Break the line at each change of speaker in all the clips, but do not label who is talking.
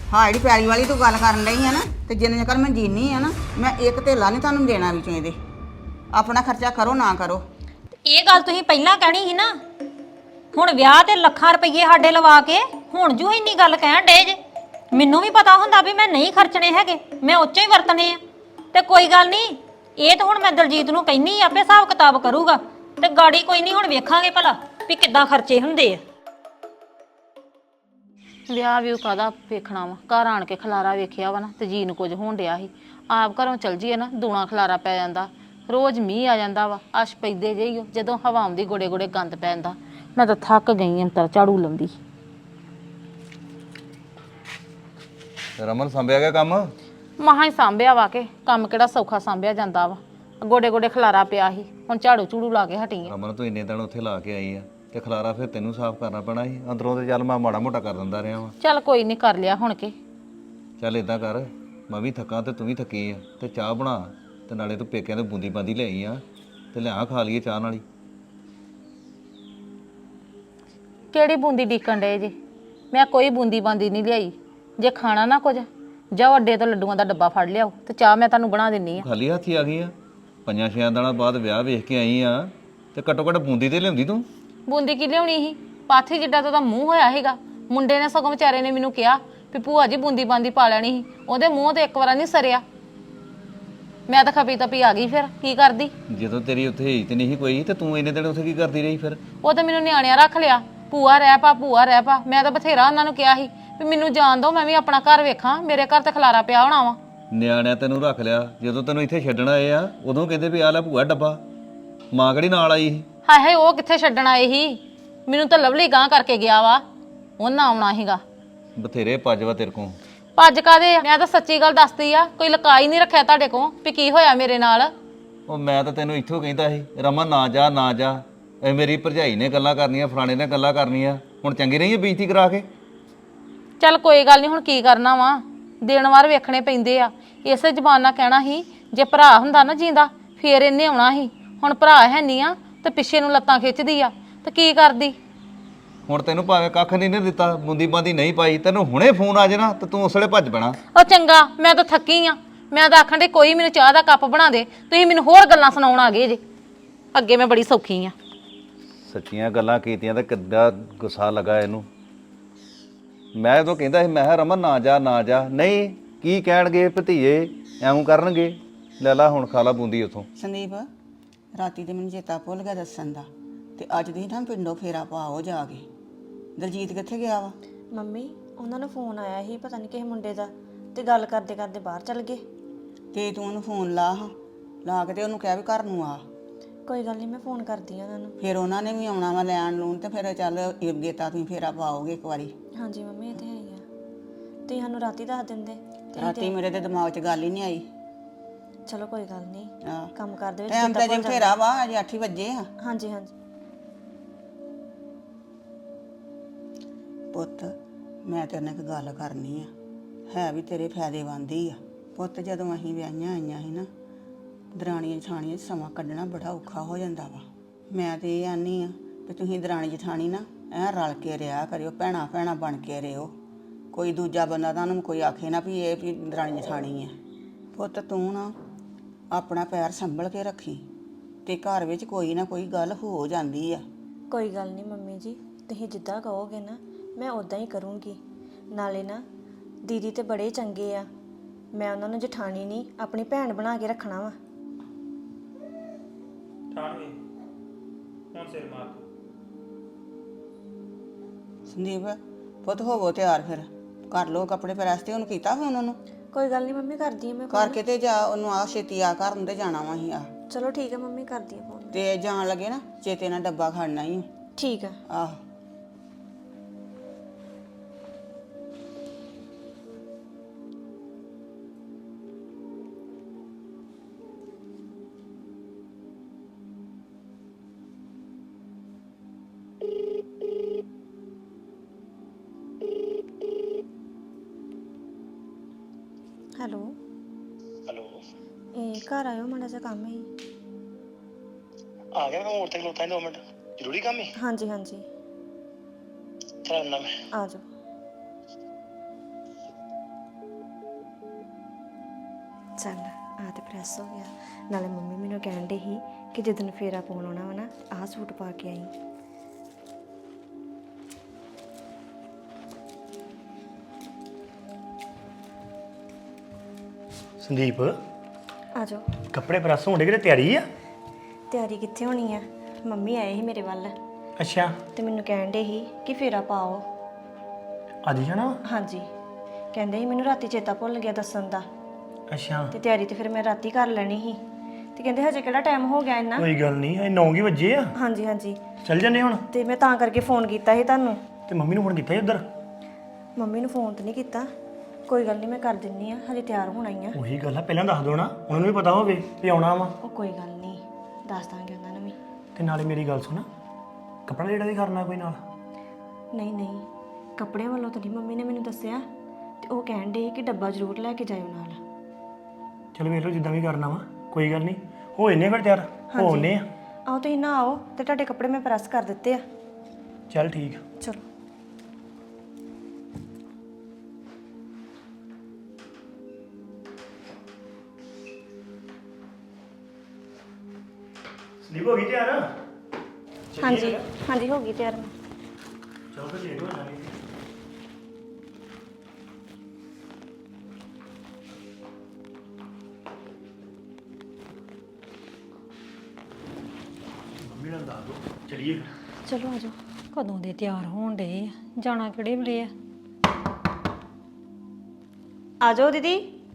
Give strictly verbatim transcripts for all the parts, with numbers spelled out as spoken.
ਹਾਂ ਜਿਹੜੀ ਪੈਲੀ ਵਾਲੀ ਤੂੰ ਗੱਲ ਕਰਨ ਰਹੀ ਆ ਨਾ ਤੇ ਜਿੰਨੇ ਚਿਰ ਮੈਂ ਜੀਨੀ ਆ ਨਾ ਮੈਂ ਇੱਕ ਧੇਲਾ ਨਹੀਂ ਤੁਹਾਨੂੰ ਦੇਣਾ ਵਿੱਚੋਂ ਇਹਦੇ। ਆਪਣਾ ਖਰਚਾ ਕਰੋ ਨਾ ਕਰੋ।
ਇਹ ਗੱਲ ਤੁਸੀਂ ਪਹਿਲਾਂ ਕਹਿਣੀ ਸੀ ਨਾ। ਹੁਣ ਵਿਆਹ ਤੇ ਲੱਖਾਂ ਰੁਪਏ ਸਾਡੇ ਲਵਾ ਕੇ ਹੁਣ ਜੂ ਇੰਨੀ ਗੱਲ ਕਹਿਣ ਡੇ ਜੇ। ਮੈਨੂੰ ਵੀ ਪਤਾ ਹੁੰਦਾ ਵੀ ਮੈਂ ਨਹੀਂ ਖਰਚਣੇ ਹੈਗੇ, ਮੈਂ ਉੱਚੇ ਹੀ ਵਰਤਣੇ ਆ। ਤੇ ਕੋਈ ਗੱਲ ਨਹੀਂ, ਇਹ ਤਾਂ ਹੁਣ ਮੈਂ ਦਲਜੀਤ ਨੂੰ ਕਹਿਨੀ ਆਪੇ ਹਿਸਾਬ ਕਿਤਾਬ ਕਰੂਗਾ ਤੇ ਗਾੜੀ ਕੋਈ ਨਹੀਂ, ਹੁਣ ਵੇਖਾਂਗੇ ਭਲਾ ਵੀ ਕਿੱਦਾਂ ਖਰਚੇ ਹੁੰਦੇ ਆ।
ਵਿਆਹ ਵੀ ਕਾਹਦਾ ਵੇਖਣਾ ਵਾ, ਘਰ ਆਣ ਕੇ ਖਲਾਰਾ ਵੇਖਿਆ ਵਾ ਨਾ ਤੇ ਜੀ ਨੂੰ ਕੁਝ ਹੋਣ ਡਿਆ ਸੀ। ਆਪ ਘਰੋਂ ਚਲ ਜੀਏ ਨਾ ਦੂਣਾ ਖਲਾਰਾ ਪੈ ਜਾਂਦਾ। ਰੋਜ਼ ਮੀਂਹ ਆ ਜਾਂਦਾ ਵਾ, ਅਸ਼ ਪੈਂਦੇ ਜਿਹੀ ਜਦੋਂ ਹਵਾ ਆਉਂਦੀ ਗੋੜੇ ਗੋੜੇ ਗੰਦ ਪੈਂਦਾ। ਮੈਂ ਤਾਂ ਥੱਕ ਗਈ ਅੰਤਰ ਝਾੜੂ ਲਾਉਂਦੀ।
ਰਮਨ ਸੰਭਿਆ ਗਿਆ ਕੰਮ?
ਮਹਾਂ ਹੀ ਸਾਂਭਿਆ ਵਾ ਕੇ ਕੰਮ ਕਿਹੜਾ ਸੌਖਾ ਸਾਂਭਿਆ ਜਾਂਦਾ ਵਾ। ਗੋਡੇ ਗੋਡੇ ਖਲਾਰਾ ਪਿਆ ਸੀ, ਹੁਣ ਝਾੜੂ ਝੂੜੂ ਲਾ ਕੇ ਹਟੀ ਆ।
ਰਮਨ ਤੂੰ ਇੰਨੇ ਦਿਨ ਉੱਥੇ ਲਾ ਕੇ ਆਈ ਆ ਤੇ ਖਲਾਰਾ ਫਿਰ ਤੈਨੂੰ ਸਾਫ਼ ਕਰਨਾ ਪੈਣਾ ਸੀ ਅੰਦਰੋਂ। ਤੇ ਚੱਲ ਮੈਂ ਮਾੜਾ ਮੋਟਾ ਕਰ ਦਿੰਦਾ ਰਿਹਾ ਵਾਂ।
ਚੱਲ ਕੋਈ ਨਹੀਂ, ਕਰ ਲਿਆ ਹੁਣ ਕੇ।
ਚੱਲ ਇਦਾਂ ਕਰ, ਮੈਂ ਵੀ ਥੱਕਾਂ ਤੇ ਤੂੰ ਵੀ ਥੱਕੀ ਆ ਤੇ ਚਾਹ ਬਣਾ ਤੇ ਨਾਲੇ ਤੂੰ ਪੇਕਿਆਂ ਤੋਂ ਬੂੰਦੀ ਬਾਂਦੀ ਲਿਆਈ ਆ ਤੇ ਲਿਆ ਖਾ ਲਈਏ ਚਾਹ ਨਾਲ ਹੀ।
ਕਿਹੜੀ ਬੂੰਦੀ ਡੀਕਣ ਡਏ ਜੇ? ਮੈਂ ਕੋਈ ਬੂੰਦੀ ਬਾਂਦੀ ਨਹੀਂ ਲਿਆਈ। ਜੇ ਖਾਣਾ ਨਾ ਕੁਝ ਜਾਓ ਅੱਡੇ ਤੋਂ ਲੱਡੂਆਂ ਦਾ ਡੱਬਾ ਫੜ ਲਿਆਓ ਤੇ ਚਾਹ ਮੈਂ ਤੁਹਾਨੂੰ ਬਣਾ ਦਿੰਨੀ ਆ।
ਖਾਲੀ ਹੱਥੀ ਆ ਗਈ ਆ? ਪੰਜਾਂ ਛਿਆਂ ਦਿਨਾਂ ਬਾਅਦ ਵਿਆਹ ਵੇਖ ਕੇ ਆਈ ਆ ਤੇ ਘੱਟੋ ਘੱਟ ਬੂੰਦੀ ਤੇ ਲਿਆਉਂਦੀ ਤੂੰ।
ਬੂੰਦੀ ਕੀ ਲਿਆਉਣੀ ਸੀ? ਪਾਥੀ ਜਿੱਡਾ ਤਾਂ ਉਹਦਾ ਮੂੰਹ ਹੋਇਆ ਸੀਗਾ। ਮੁੰਡੇ ਨੇ ਸਗੋਂ ਵਿਚਾਰੇ ਨੇ ਮੈਨੂੰ ਕਿਹਾ ਵੀ ਭੂਆ ਜੀ ਬੂੰਦੀ ਬਾਂਦੀ ਪਾ ਲੈਣੀ ਸੀ। ਉਹਦੇ ਮੂੰਹ ਤੇ ਇੱਕ ਵਾਰ ਨਹੀਂ ਸਰਿਆ। ਮੈਂ ਤਾਂ ਖਪੀ ਤਪੀ ਆ ਗਈ। ਫਿਰ ਕੀ ਕਰਦੀ?
ਜਦੋਂ ਤੇਰੀ ਉੱਥੇ ਇੱਜ਼ਤ ਨਹੀਂ ਸੀ ਕੋਈ ਤੇ ਤੂੰ ਇੰਨੇ ਦਿਨ ਉੱਥੇ ਕੀ ਕਰਦੀ ਰਹੀ ਫਿਰ?
ਉਹ ਤਾਂ ਮੈਨੂੰ ਨਿਆਣਿਆਂ ਰੱਖ ਲਿਆ। ਭੂਆ ਰਹਿ ਪਾ, ਭੂਆ ਰਹਿ ਪਾ। ਮੈਂ ਤਾਂ ਬਥੇਰਾ ਉਹਨਾਂ ਨੂੰ ਕਿਹਾ ਸੀ ਵੀ ਮੈਨੂੰ ਜਾਣ ਦਿਓ, ਮੈਂ ਵੀ ਆਪਣਾ ਘਰ ਵੇਖਾਂ। ਮੇਰੇ ਘਰ ਤੇ ਖਲਾਰਾ ਪਿਆ ਹੋਣਾ ਵਾ।
ਨਿਆਣਿਆਂ ਤੈਨੂੰ ਰੱਖ ਲਿਆ, ਜਦੋਂ ਤੈਨੂੰ ਇੱਥੇ ਛੱਡਣ ਆਏ ਆ ਉਦੋਂ ਕਹਿੰਦੇ ਵੀ ਆ ਲੈ ਭੂਆ ਡੱਬਾ। ਮਾਂ ਕਿਹੜੀ ਨਾਲ ਆਈ ਸੀ?
ਹਾਏ ਹਾਏ, ਉਹ ਕਿੱਥੇ ਛੱਡਣ ਆਏ ਸੀ? ਮੈਨੂੰ ਤਾਂ ਲਵਲੀ ਗਾਂ ਕਰਕੇ ਗਿਆ ਵਾ। ਉਹਨਾਂ ਆਉਣਾ ਸੀਗਾ।
ਬਥੇਰੇ ਭੱਜ ਵਾ ਤੇਰੇ ਕੋਲ।
ਭੱਜ ਕਾਦੇ? ਮੈਂ ਤਾਂ ਸੱਚੀ ਗੱਲ ਦੱਸਦੀ ਆ। ਕੋਈ ਲਕਾਈ ਨਹੀਂ ਰੱਖਿਆ ਤੁਹਾਡੇ ਕੋਲ ਵੀ ਕੀ ਹੋਇਆ ਮੇਰੇ ਨਾਲ।
ਉਹ ਮੈਂ ਤਾਂ ਤੈਨੂੰ ਇੱਥੋਂ ਕਹਿੰਦਾ ਸੀ ਰਮਨ ਨਾ ਜਾ ਨਾ ਜਾ। ਇਹ ਮੇਰੀ ਭਰਜਾਈ ਨੇ ਗੱਲਾਂ ਕਰਨੀਆਂ, ਫਲਾਣੇ ਨੇ ਗੱਲਾਂ ਕਰਨੀਆਂ। ਹੁਣ ਚੰਗੀ ਰਹੀ ਹੈ ਬੇਇੱਜ਼ਤੀ ਕਰਾ ਕੇ।
ਚੱਲ ਕੋਈ ਗੱਲ ਨਹੀਂ, ਹੁਣ ਕੀ ਕਰਨਾ ਵਾ। ਦਿਨ ਵਾਰ ਵੇਖਣੇ ਪੈਂਦੇ ਆ। ਇਸੇ ਜ਼ਬਾਨ ਨਾਲ ਕਹਿਣਾ ਸੀ ਜੇ ਭਰਾ ਹੁੰਦਾ ਨਾ ਜਿੰਦਾ ਫੇਰ ਇਹਨੇ ਆਉਣਾ ਸੀ। ਹੁਣ ਭਰਾ ਹੈ ਨਹੀਂ ਆ ਤੇ ਪਿੱਛੇ ਨੂੰ ਲੱਤਾਂ ਖਿੱਚਦੀ ਆ ਤੇ ਕੀ ਕਰਦੀ?
ਹੁਣ ਤੈਨੂੰ ਭਾਵੇਂ ਕੱਖ ਨਹੀਂ ਨੇ ਦਿੱਤਾ, ਬੂੰਦੀ ਬਾਂਦੀ ਨਹੀਂ ਪਾਈ, ਤੈਨੂੰ ਹੁਣੇ ਫੋਨ ਆ ਜਾਣਾ ਤੇ ਤੂੰ ਉਸਲੇ ਭੱਜ ਪੈਣਾ।
ਉਹ ਚੰਗਾ, ਮੈਂ ਤਾਂ ਥੱਕੀ ਆ। ਮੈਂ ਤਾਂ ਆਖਣ ਦੇ ਕੋਈ ਮੈਨੂੰ ਚਾਹ ਦਾ ਕੱਪ ਬਣਾ ਦੇ। ਤੁਸੀਂ ਮੈਨੂੰ ਹੋਰ ਗੱਲਾਂ ਸੁਣਾਉਣ ਆ ਗਏ ਜੇ। ਅੱਗੇ ਮੈਂ ਬੜੀ ਸੌਖੀ ਆ।
ਸੱਚੀਆਂ ਗੱਲਾਂ ਕੀਤੀਆਂ ਤੇ ਕਿੱਦਾਂ ਗੁੱਸਾ ਲੱਗਾ ਇਹਨੂੰ। ਮੈਂ ਉਦੋਂ ਕਹਿੰਦਾ ਸੀ ਮੈਂ ਕਿਹਾ ਰਮਨ ਨਾ ਜਾ ਨਾ ਜਾ। ਨਹੀਂ ਕੀ ਕਹਿਣਗੇ ਭਤੀਏ, ਐਵੇਂ ਕਰਨਗੇ। ਲੈ ਲਾ ਹੁਣ ਖਾ ਲਾ ਬੂੰਦੀ ਉੱਥੋਂ।
ਸੰਦੀਪ ਰਾਤੀ ਤੇ ਮੈਨੂੰ ਚੇਤਾ ਭੁੱਲ ਗਿਆ ਦੱਸਣ ਦਾ, ਤੇ ਅੱਜ ਦੀ ਨਾ ਪਿੰਡੋਂ ਫੇਰਾ ਪਾਓ ਜਾ ਕੇ। ਦਲਜੀਤ ਕਿੱਥੇ ਗਿਆ ਵਾ?
ਮੰਮੀ ਉਹਨਾਂ ਨੂੰ ਫੋਨ ਆਇਆ ਸੀ ਪਤਾ ਨਹੀਂ ਕਿਸੇ ਮੁੰਡੇ ਦਾ, ਤੇ ਗੱਲ ਕਰਦੇ ਕਰਦੇ ਬਾਹਰ ਚਲ ਗਏ।
ਤੇ ਤੂੰ ਉਹਨੂੰ ਫੋਨ ਲਾ ਹਾਂ, ਲਾ ਕੇ ਤੇ ਉਹਨੂੰ ਕਹਿ ਵੀ ਘਰ ਨੂੰ ਆ।
ਕੋਈ ਗੱਲ ਨਹੀਂ, ਮੈਂ ਫੋਨ ਕਰਦੀ ਆ ਉਹਨਾਂ ਨੂੰ।
ਫਿਰ ਉਹਨਾਂ ਨੇ ਵੀ ਆਉਣਾ ਵਾ ਲੈਣ ਲੂਣ ਤੇ ਫਿਰ ਚੱਲ ਗੇਤਾ ਤੁਸੀਂ ਫੇਰਾ ਪਾਓਗੇ ਇੱਕ ਵਾਰੀ।
ਹਾਂਜੀ ਮੰਮੀ ਇਹ ਤੇ ਹੈ ਹੀ ਆ। ਤੁਸੀਂ ਸਾਨੂੰ ਰਾਤੀ ਦੱਸ ਦਿੰਦੇ ਤੇ
ਰਾਤੀ ਮੇਰੇ ਤੇ ਦਿਮਾਗ 'ਚ ਗੱਲ ਹੀ ਨਹੀਂ ਆਈ।
ਚਲੋ ਕੋਈ ਗੱਲ ਨਹੀਂ,
ਹਾਂ
ਕੰਮ ਕਰਦੇ ਵਿੱਚ
ਟਾਈਮ ਤੇ ਜੇ ਫੇਰਾ ਵਾ, ਅਜੇ ਅੱਠ ਹੀ ਵੱਜੇ ਆ।
ਹਾਂਜੀ ਹਾਂਜੀ।
ਪੁੱਤ ਮੈਂ ਤੇਰੇ ਨਾਲ ਇੱਕ ਗੱਲ ਕਰਨੀ ਆ, ਹੈ ਵੀ ਤੇਰੇ ਫਾਇਦੇ ਬੰਦੀ ਆ। ਪੁੱਤ ਜਦੋਂ ਅਸੀਂ ਵਿਆਹੀਆਂ ਆਈਆਂ ਸੀ ਨਾ, ਦਰਾਣੀਆਂ ਜਠਾਣੀਆਂ 'ਚ ਸਮਾਂ ਕੱਢਣਾ ਬੜਾ ਔਖਾ ਹੋ ਜਾਂਦਾ ਵਾ। ਮੈਂ ਤੇ ਇਹ ਆਨੀ ਆ ਵੀ ਤੁਸੀਂ ਦਰਾਣੀ ਜਠਾਣੀ ਨਾ ਐਂ ਰਲ ਕੇ ਰਿਹਾ ਕਰਿਓ, ਭੈਣਾਂ ਭੈਣਾਂ ਬਣ ਕੇ ਰਿਓ। ਕੋਈ ਦੂਜਾ ਬੰਦਾ ਤੁਹਾਨੂੰ ਕੋਈ ਆਖੇ ਨਾ ਵੀ ਇਹ ਵੀ ਦਰਾਣੀ ਜਠਾਣੀ ਆ। ਪੁੱਤ ਤੂੰ ਨਾ ਆਪਣਾ ਪੈਰ ਸੰਭਲ ਕੇ ਰੱਖੀ, ਤੇ ਘਰ ਵਿੱਚ ਕੋਈ ਨਾ ਕੋਈ ਗੱਲ ਹੋ ਜਾਂਦੀ ਆ।
ਕੋਈ ਗੱਲ ਨਹੀਂ ਮੰਮੀ ਜੀ, ਤੁਸੀਂ ਜਿੱਦਾਂ ਕਹੋਗੇ ਨਾ ਮੈਂ ਉਦਾਂ ਹੀ ਕਰੂੰਗੀ। ਨਾਲੇ ਨਾ ਦੀਦੀ ਤੇ ਬੜੇ ਚੰਗੇ ਆ, ਮੈਂ ਉਹਨਾਂ ਨੂੰ ਜਠਾਣੀ ਨਹੀਂ ਆਪਣੀ ਭੈਣ ਬਣਾ ਕੇ ਰੱਖਣਾ ਵਾ।
ਠਾਣਗੇ ਹੁਣ ਸਿਰ ਮਾਰ।
ਸੰਦੀਪ ਪੁੱਤ ਹੋਵੋ ਤਿਆਰ, ਫਿਰ ਕਰ ਲਓ ਕੱਪੜੇ ਪ੍ਰੈਸ। ਤੇ ਉਹਨੂੰ ਕੀਤਾ ਫੋਨ? ਉਹਨੂੰ
ਕੋਈ ਗੱਲ ਨਹੀਂ ਮੰਮੀ, ਕਰਦੀ ਆ ਮੈਂ phone।
ਕਰਕੇ ਤੇ ਜਾ ਉਹਨੂੰ ਆ ਛੇਤੀ ਆ ਘਰ ਨੂੰ ਤੇ ਜਾਣਾ ਵਾ ਅਸੀਂ ਆ।
ਚਲੋ ਠੀਕ ਹੈ ਮੰਮੀ, ਕਰਦੀ ਆ ਫੋਨ।
ਤੇ ਜਾਣ ਲੱਗੇ ਨਾ ਚੇਤੇ ਨਾਲ ਡੱਬਾ ਖੜਨਾ ਹੀ।
ਠੀਕ ਆ।
ਆਹ
ਹੈਲੋ
ਹੈਲੋ
ਇਹ ਘਰ ਆਇਓ, ਮਾੜਾ ਜਿਹਾ ਕੰਮ ਹੈ।
ਆ ਗਿਆ ਮੈਂ ਮੋੜ ਤੇ ਖਲੋਤਾ ਦੋ ਮਿੰਟ, ਜ਼ਰੂਰੀ ਕੰਮ ਹੈ।
ਹਾਂਜੀ ਹਾਂਜੀ
ਚਲ ਆਉਣਾ ਮੈਂ।
ਆ ਜਾਓ। ਚੱਲ ਆ ਤੇ ਪ੍ਰੈਸ ਹੋ ਗਿਆ। ਨਾਲੇ ਮੰਮੀ ਮੈਨੂੰ ਕਹਿਣ ਦੇ ਸੀ ਕਿ ਜਦੋਂ ਫੇਰਾ ਪਾਉਣ ਆਉਣਾ ਵਾ ਨਾ ਆਹ ਸੂਟ ਪਾ ਕੇ ਆਈ।
ਸੰਦੀਪ
ਆ ਜਾਓ।
ਕੱਪੜੇ ਪ੍ਰੈਸ ਹੋਣ ਦੇ ਕਿਤੇ ਤਿਆਰੀ ਆ?
ਤਿਆਰੀ ਕਿੱਥੇ ਹੋਣੀ ਆ, ਮੰਮੀ ਆਏ ਸੀ ਮੇਰੇ ਵੱਲ
ਅੱਛਾ
ਤੇ ਮੈਨੂੰ ਕਹਿਣ ਦੇ ਸੀ ਕਿ ਫੇਰਾ ਪਾਓ।
ਅੱਜ ਜਾਣਾ ਵਾ?
ਹਾਂਜੀ, ਕਹਿੰਦੇ ਸੀ ਮੈਨੂੰ ਰਾਤੀ ਚੇਤਾ ਭੁੱਲ ਗਿਆ ਦੱਸਣ ਦਾ,
ਅੱਛਾ
ਤੇ ਤਿਆਰੀ ਤੇ ਫਿਰ ਮੈਂ ਰਾਤੀ ਕਰ ਲੈਣੀ ਸੀ। ਤੇ ਕਹਿੰਦੇ ਹਜੇ ਕਿਹੜਾ ਟਾਈਮ ਹੋ ਗਿਆ ਇੰਨਾ।
ਕੋਈ ਗੱਲ ਨਹੀਂ ਇਹ ਨੌ ਹੀ ਵਜੇ ਆ।
ਹਾਂਜੀ ਹਾਂਜੀ,
ਚੱਲ ਜੰਨੇ ਹੁਣ।
ਤੇ ਮੈਂ ਤਾਂ ਕਰਕੇ ਫੋਨ ਕੀਤਾ ਸੀ ਤੁਹਾਨੂੰ।
ਤੇ ਮੰਮੀ ਨੂੰ ਫੋਨ ਕੀਤਾ ਸੀ ਉਧਰ?
ਮੰਮੀ ਨੂੰ ਫੋਨ ਤੇ ਨਹੀਂ ਕੀਤਾ, ਕੋਈ ਗੱਲ ਨਹੀਂ ਮੈਂ ਕਰ ਦਿੰਨੀ ਆ, ਹਜੇ ਤਿਆਰ ਹੋਣਾ ਹੀ ਆ।
ਉਹੀ ਗੱਲ ਆ, ਪਹਿਲਾਂ ਦੱਸ ਦੋ ਨਾ, ਉਹਨਾਂ ਨੂੰ ਵੀ ਪਤਾ ਹੋਵੇ ਵੀ ਆਉਣਾ ਵਾ।
ਉਹ ਕੋਈ ਗੱਲ ਨਹੀਂ, ਦੱਸ ਦਾਂਗੇ ਉਹਨਾਂ ਨੂੰ ਵੀ।
ਤੇ ਨਾਲੇ ਮੇਰੀ ਗੱਲ ਸੁਣ, ਕੱਪੜਾ ਜਿਹੜਾ ਵੀ ਕਰਨਾ ਕੋਈ ਨਾਲ?
ਨਹੀਂ ਨਹੀਂ, ਕੱਪੜਿਆਂ ਵੱਲੋਂ ਤਾਂ ਨਹੀਂ ਮੰਮੀ ਨੇ ਮੈਨੂੰ ਦੱਸਿਆ, ਤੇ ਉਹ ਕਹਿਣ ਦੇ ਕਿ ਡੱਬਾ ਜ਼ਰੂਰ ਲੈ ਕੇ ਜਾਇਓ ਨਾਲ।
ਚਲੋ ਵੇਖ ਲਓ ਜਿੱਦਾਂ ਵੀ ਕਰਨਾ ਵਾ, ਕੋਈ ਗੱਲ ਨਹੀਂ। ਹੋ ਇੰਨੇ ਫਿਰ ਤਿਆਰ ਹੋਣੇ ਆ।
ਆਓ ਤੁਸੀਂ ਨਾ ਆਓ ਤੇ ਤੁਹਾਡੇ ਕੱਪੜੇ ਮੈਂ ਪ੍ਰੈਸ ਕਰ ਦਿੱਤੇ ਆ।
ਚੱਲ ਠੀਕ ਆ।
ਚਲੋ।
ਸੰਦੀਪ ਹੋ ਗਈ ਤਿਆਰ?
ਹਾਂਜੀ ਹਾਂਜੀ, ਹੋ ਗਈ ਤਿਆਰ ਮੈਂ।
ਚਲੋ ਫਿਰ ਲੇਟ ਹੋ ਜਾਣੀ। ਮੰਮੀ ਨਾਲ ਦੱਸ ਦੋ, ਚਲੀਏ।
ਚਲੋ ਆ ਜਾਓ।
ਕਦੋਂ ਦੇ ਤਿਆਰ ਹੋਣ ਡੇ ਆ, ਜਾਣਾ ਕਿਹੜੇ ਵੇਲੇ ਆ?
ਆ ਜਾਓ ਦੀਦੀ।